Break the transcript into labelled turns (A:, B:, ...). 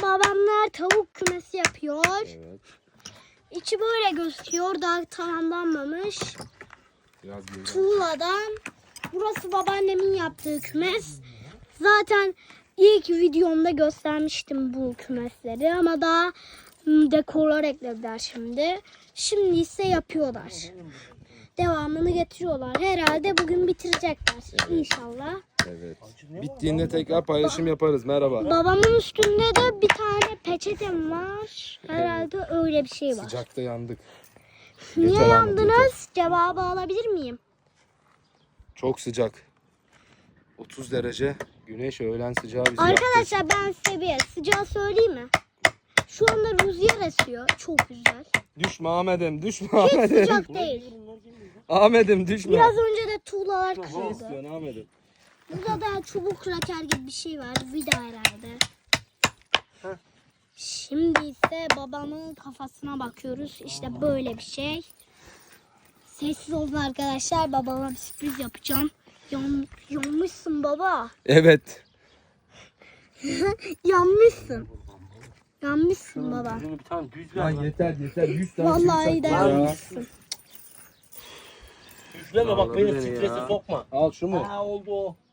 A: babamlar tavuk kümesi yapıyor.
B: Evet.
A: İçi böyle gözüküyor. Daha tamamlanmamış.
B: Biraz büyük.
A: Tuğladan. Burası babaannemin yaptığı kümes. Zaten ilk videomda göstermiştim bu kümesleri ama daha dekorlar eklediler şimdi. Şimdi ise yapıyorlar. Devamını getiriyorlar. Herhalde bugün bitirecekler inşallah.
B: Evet. Bittiğinde tekrar paylaşım yaparız. Merhaba.
A: Babamın üstünde de bir tane peçetem var. Herhalde öyle bir şey var.
B: Sıcakta yandık.
A: Niye
B: Yeter Ahmet,
A: yandınız? Cevabı alabilir miyim?
B: Çok sıcak. 30 derece. Güneş öğlen sıcağı bizi yaktı.
A: Arkadaşlar ben size bir sıcağı söyleyeyim mi? Şu anda rüzgar esiyor. Çok güzel.
B: Düşme Ahmet'im, düşme
A: Hiç
B: Ahmet'im.
A: sıcak değil.
B: Ahmet'im düşme.
A: Biraz önce de tuğlalar
B: Ne
A: kırıldı.
B: istiyorsun Ahmet'im?
A: Burada da çubuk kraker gibi bir şey var. Vida herhalde. Şimdi ise babamın kafasına bakıyoruz. İşte böyle bir şey. Sessiz olun arkadaşlar. Babama bir sürpriz yapacağım. Yanmışsın baba.
B: Evet.
A: Yanmışsın. Yanmışsın baba.
C: Bir tane düz
B: Lan
C: ver.
B: yeter yeter. 100 tane
A: Vallahi de
B: çivi sattın ya.
A: yanmışsın.
C: Düzleme bak beni
B: Olabilir
C: strese
B: ya.
C: sokma.
B: Al şu mu?
C: Ha oldu o.